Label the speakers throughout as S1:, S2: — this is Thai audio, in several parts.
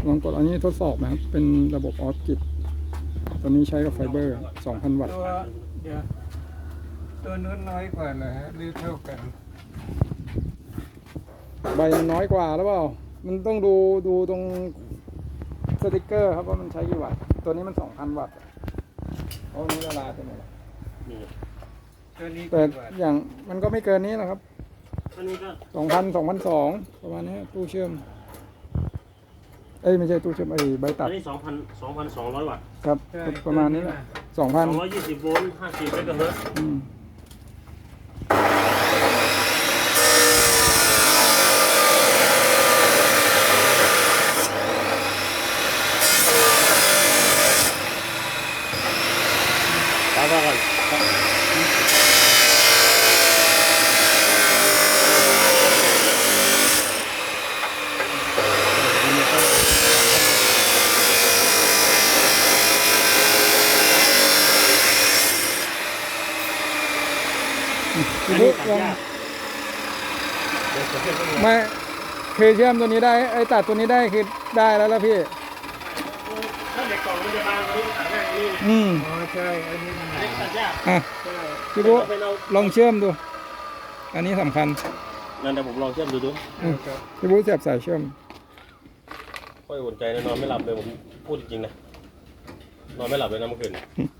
S1: ลองกดอันนี้ทดสอบนะครับเป็นระบบออฟกิดตัวนี้ใช้กับไฟเบอร์ 2,000 วัตต์
S2: เดี๋ยวตัวนู้นน้อยกว่าเหรอฮะหรือเท่ากัน
S1: ใบมันน้อยกว่าหรือเปล่ามันต้องดูตรงสติกเกอร์ครับว่ามันใช้กี่วัตต์ตัวนี้มัน 2,000 วัตต์เพราะนี้ละลายไปหมดแล้ว
S2: ตัวนี้
S1: แต่อย่างมันก็ไม่เกินนี้นะครับ
S3: อันนี้ก็
S1: 2,200 ประมาณนี้ตู้เชื่อมไม่ใช่ตู้เชื่อมใบตัด
S3: อันนี้2,200 วัตต์
S1: ครับประมาณนี้แหละ
S3: 220 โวลต์ 50 เมกะเฮิรตซ์ตามมาก่อน
S1: พี่บุ๊กลองไม่คือเชื่อมตัวนี้ได้ตัดตัวนี้ได้คือได้แล้วพี่
S3: ถ้าเด็กกล่องมันจะบางกว่านี้ตัดง่ายกว่านี้
S2: อ๋อใช่อันนี้มัน
S3: ตัดยาก
S1: พี่บุ๊กลองเชื่อมดูอันนี้สำคัญ
S3: นั่นเดี๋ยวผมลองเชื่อมดู
S1: พี่บุ๊กเสียบสายเชื่อม
S3: ค่อยอุ่นใจนะนอนไม่หลับเลยผมพูดจริงๆนะนอนไม่หลับเลยนะเมื่อคืน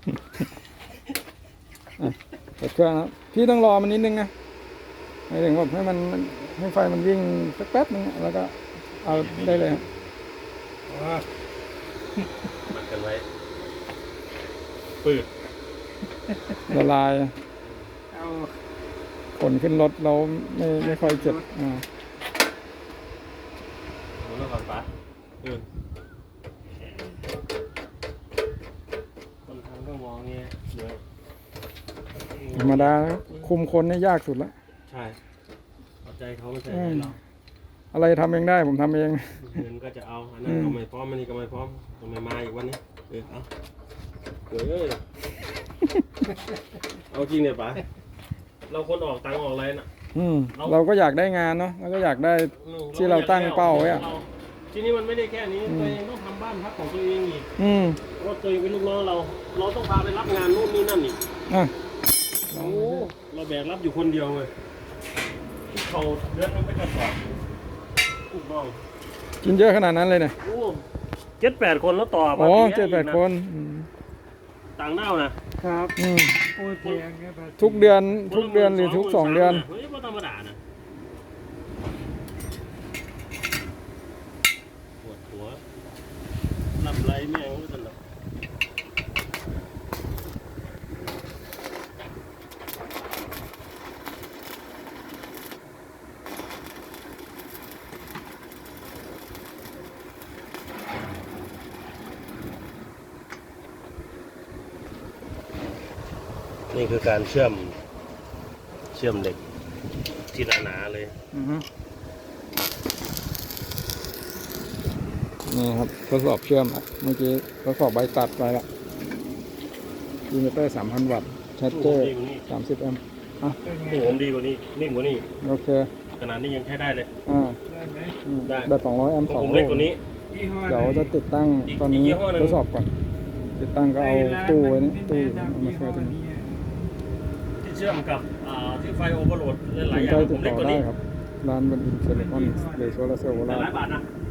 S1: เปิดเครื่องครับพี่ต้องรอมันนิดนึงนะหมายถึงว่าให้ไฟมันวิ่งสักแป๊บนึงแล้วก็เอาได้เลย
S3: มันกันไว้ปืด
S1: ละลายขนขึ้นรถเราไม่ค่อยเจ็บ
S3: มันต้องก่อนปะคนทำก็มองเงี้ยเดี๋ยว
S1: ธรรมดาคุมคนนี่ยากสุดแล้ว
S3: ใช่เอาใจเขาไม่ใช่เรา
S1: อะไรทำเองได้ผมทำเอง
S3: เงินก็จะเอาอันนั้นก็ไม่พร้อมอันนี้ก็ไม่พร้อมทำไมมาอีกวันนี้เอาเอาจริงเนี่ยป๋าเราคนออกตังค์ออกอะไรน่ะ
S1: เราก็อยากได้งานเนาะเราก็อยากได้ที่เราตั้งเป้าไว้อะ
S3: ทีนี้มันไม่ได้แค่นี้ตัวเองต้องทำบ้านพักของตัวเองอีกเพราะตัวเองเป็นลูกน้องเราต้องพาไปรับงานนู่นนี่นั่นอีกโอ้เราแบกรับอยู่คนเดียวเลยเขาเดือนนึงไปกระสอบลูกน้อง
S1: กินเยอะขนาดนั้นเลยเนี่ย
S3: 7-8 คนแล้วต่อ
S1: อ๋อ7-8 คน
S3: ต่างด้าวนะครับ
S2: โอ้ยแพง
S1: ทุกเดือนหรือทุก2 เดือน
S3: เฮ้ยไม่ธรรมดานะปวดหัวลำไรแม่งรู้สึกหรอนี่คือการเชื่อมเหล็กที่หนาๆเลย
S1: นี่ครับทดสอบเชื่อมเมื่อกี้ทดสอบใบตัดไปละอินเวอร์เตอร์ 3,000 วัตต์ชาร์เจอร์30 แอมป์
S3: ผมดีกว่านี้นิ่งกว่านี้
S1: โอเค
S3: ขนาดนี้ยังใช้ได้เลย
S1: ได้แบบ200 แอมป์2 โวลต์
S3: เล็กกว่านี้
S1: เดี๋ยวจะติดตั้งตอนนี้ทดสอบก่อนติดตั้งก็เอาตู้ไว้นี่ตู้มาช่วยตรงนี้
S3: เชื่อมกับที่ไฟโอเวอร์โหลดหลายอย่างผมเล็กกว่านี้
S1: ครับร้านบนอินเทอร์เน็ตออนหรือโซลาร์เซลล์โบราณ
S3: หลายบาทนะ